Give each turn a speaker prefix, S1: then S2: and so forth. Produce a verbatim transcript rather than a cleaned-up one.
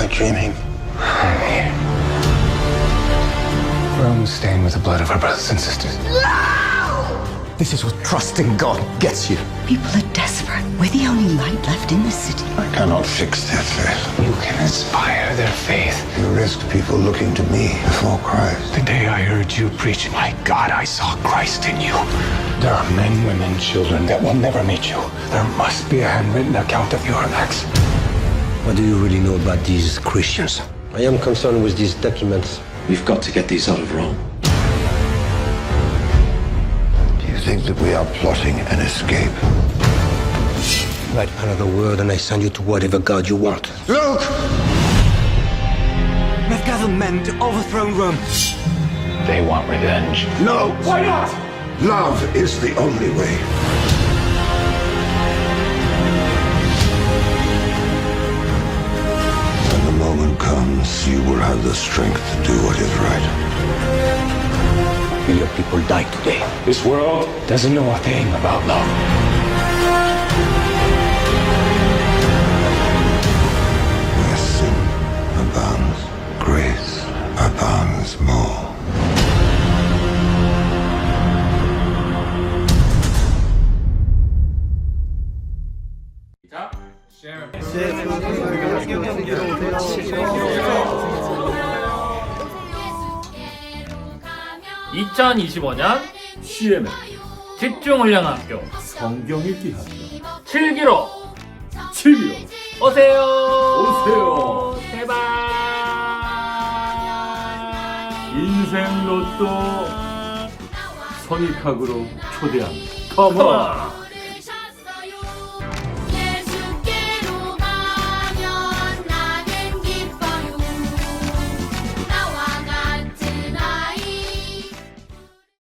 S1: dreaming? Rome's stained with the blood of our brothers and sisters.
S2: This is what trusting God gets you.
S3: People are desperate. We're the only light left in the city.
S4: I cannot fix their faith.
S1: You can inspire their faith.
S4: You risk people looking to me before Christ.
S1: The day I heard you preach, my God, I saw Christ in you. There are men, women, children that will never meet you. There must be a handwritten account of your acts.
S2: What do you really know about these Christians? I am concerned with these documents.
S5: We've got to get these out of Rome.
S4: Do you think that we are plotting an escape?
S2: Write another word and I send you to whatever God you want.
S4: Look!
S2: We've gathered men to overthrow Rome.
S1: They want revenge.
S4: No! Why not? Love is the only way. When the moment comes, you will have the strength to do what is right.
S2: Will your people die today?
S1: This world doesn't know a thing about love.
S4: Where sin abounds, grace abounds more.
S6: 이천이십오 년
S5: 씨엠의
S6: 집중훈련학교
S5: 성경 읽기 학교
S6: 칠 기로
S5: 칠기로
S6: 오세요.
S5: 오세요.
S6: 제발.
S5: 인생 로또 선입학으로 초대합니다. 컴온.